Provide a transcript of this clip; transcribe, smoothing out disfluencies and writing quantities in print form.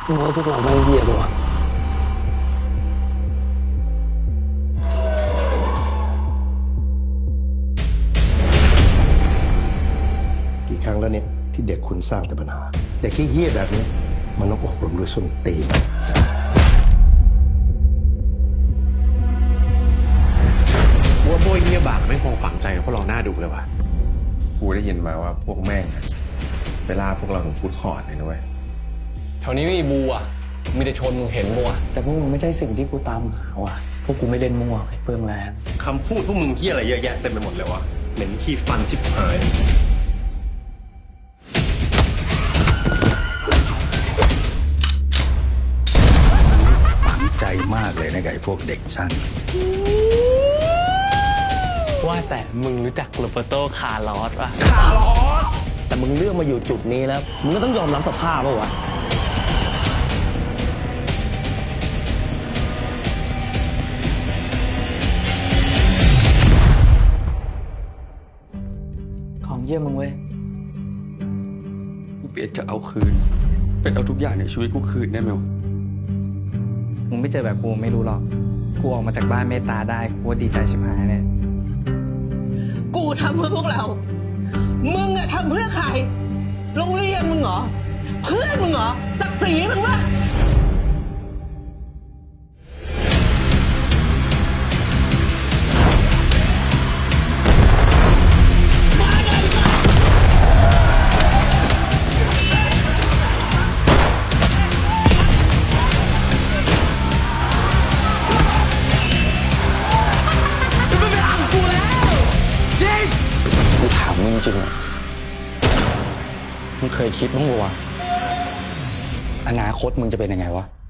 มึงว่าพวกเราไม่เหี้ยปะวะกี่ครั้งแล้วเนี่ยที่เด็กคุณสร้างแต่ปัญหาเด็กที่เหี้ยแบบนี้มันต้องอบรมด้วยส้นตีนว่าโบยเงียบากไม่คงฝังใจกับพวกเราหน้าดูเลยว่ะกูได้ยินมาว่าพวกแม่งอะไปล่าพวกเราถึงฟู้ดคอร์ทเลยนะเว้ยแถวนี้ไม่มีบูอ่ะมีแต่ชนมึงเห็นบัวแต่พวกมึงไม่ใช่สิ่งที่กูตามหาว่ะพวกกูไม่เล่นมั่วไอ้เปลืองแรงคำพูดพวกมึงที่อะไรเยอะแยะเต็มไปหมดเลยวะเหม็นขี้ฟันชิบหายฝังใจมากเลยนะกับไอ้พวกเด็กช่างว่าแต่มึงรู้จักโรเบร์โตคาร์ลอสป่ะคาร์ลอสแต่มึงเลือกมาอยู่จุดนี้แล้วมึงก็ต้องยอมรับสภาพป่ะวะของเยี่ยมมึงเว้ยกูเปลี่ยนจะเอาคืน เป็นเอาทุกอย่างในชีวิตกูคืนได้ไหมวะมึงไม่เจอแบบกูไม่รู้หรอก กูออกมาจากบ้านเมตตาได้กูว่าดีใจชิบหายเนี่ยกูทำเพื่อพวกเรา มึงอะทำเพื่อใคร โรงเรียนมึงเหรอ เพื่อนมึงเหรอ ศักดิ์ศรีมึงวะกูถามมึงจริงๆอะมึงเคยคิดบ้างปะวะอนาคตมึงจะเป็นยังไงวะ